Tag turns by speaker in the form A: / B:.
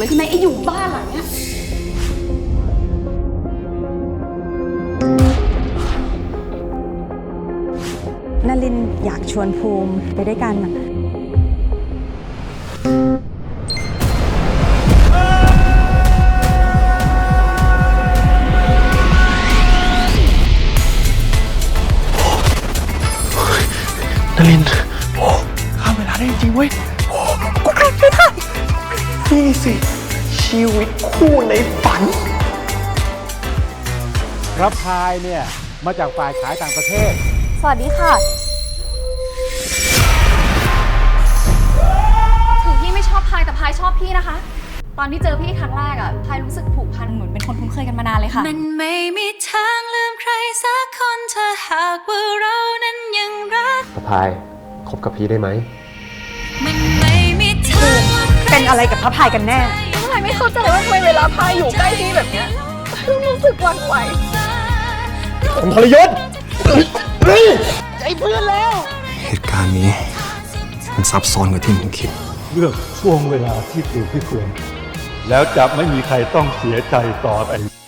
A: เลยใช่ไหมไอ้อยู่บ้านหลังเนี้ย
B: นลินอยากชวนภูมิไปด้วยกัน
C: นลินข้ามเวลาได้จริงเว้ยกูกลับไม่ได้นี่สิชีวิตคู่ในฝัน
D: พระพายเนี่ยมาจากฝ่ายขายต่างประเทศ
B: สวัสดีค่ะ
A: ถึงพี่ไม่ชอบพายแต่พายชอบพี่นะคะตอนที่เจอพี่ครั้งแรกอะพายรู้สึกผูกพันเหมือนเป็นคนคุ้นเคยกันมานานเลยค่ะ
E: มันไม่มีทางลืมใครสักคนถ้าหากว่าเรานั้นยังรัก
C: พระพายคบกับพี่ได้ไหม
E: มันไม่มีทาง
B: เป็นอะไรกับพระพายกันแน่
A: พายไม่เข้าใจว่าทำไมเวลาพายอยู่ใกล้พี่แบบเนี้ยรู้สึกหวั่นไหว
C: ผมทรยศใจเพื่อนแล้ว
F: เหตุการณ์นี้มันซับซ้อนกว่าที่ผมคิด
G: เลือกช่วงเวลาที่ถูกที่ควรแล้วจะไม่มีใครต้องเสียใจต่อไป